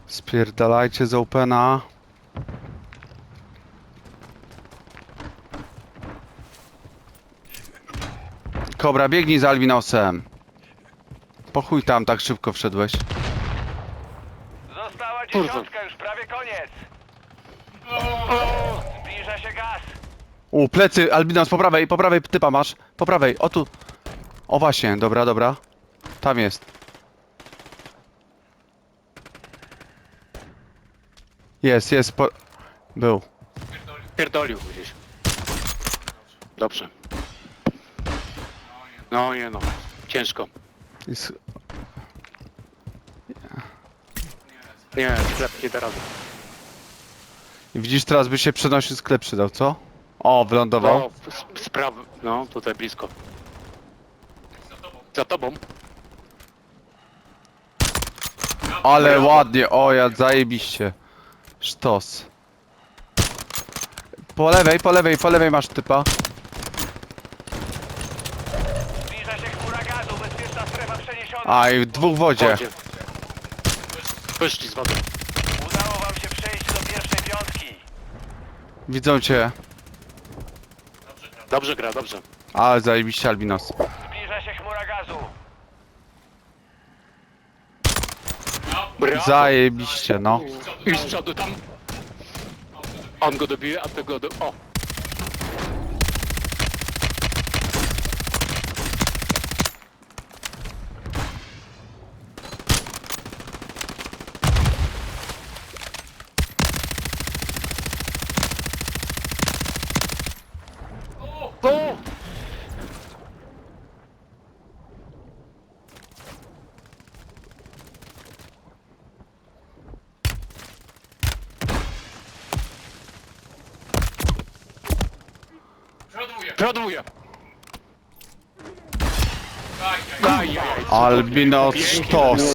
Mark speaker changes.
Speaker 1: Spierdalajcie z opena. Kobra, biegnij za Albinosem. Po chuj tam tak szybko wszedłeś.
Speaker 2: Została
Speaker 3: Kurwa.
Speaker 2: dziesiątka, już prawie koniec. Zbliża się gaz.
Speaker 1: Plecy, Albinos, po prawej typa masz. Po prawej, o tu. O właśnie, dobra, dobra. Tam jest. Jest, był.
Speaker 3: Pierdolił gdzieś. Dobrze. No nie no. Ciężko.
Speaker 1: Jest...
Speaker 3: Nie, sklep nie da rady.
Speaker 1: Widzisz, teraz by się przenosił, sklep przydał, co? O, wylądował.
Speaker 3: No, sprawy. No, tutaj blisko. Za tobą.
Speaker 1: Ale
Speaker 3: brawo.
Speaker 1: ładnie, o ja zajebiście. Sztos. Po lewej masz typa.
Speaker 2: Zbliża się chmura gazu, bezpieczna strefa przeniesiona.
Speaker 1: A i dwóch w wodzie.
Speaker 3: Wodzie. Wyszli z wody.
Speaker 2: Udało wam się przejść do pierwszej piątki.
Speaker 1: Widzą cię.
Speaker 3: Dobrze gra, dobrze.
Speaker 1: Ale zajebiście Albinos.
Speaker 2: Zbliża się chmura gazu.
Speaker 3: Brawo.
Speaker 1: Zajebiście, no.
Speaker 3: I z przodu tam. On go dobije, a ty go do... O! O! Przoduję! Ajajaj.
Speaker 1: Albinos sztos.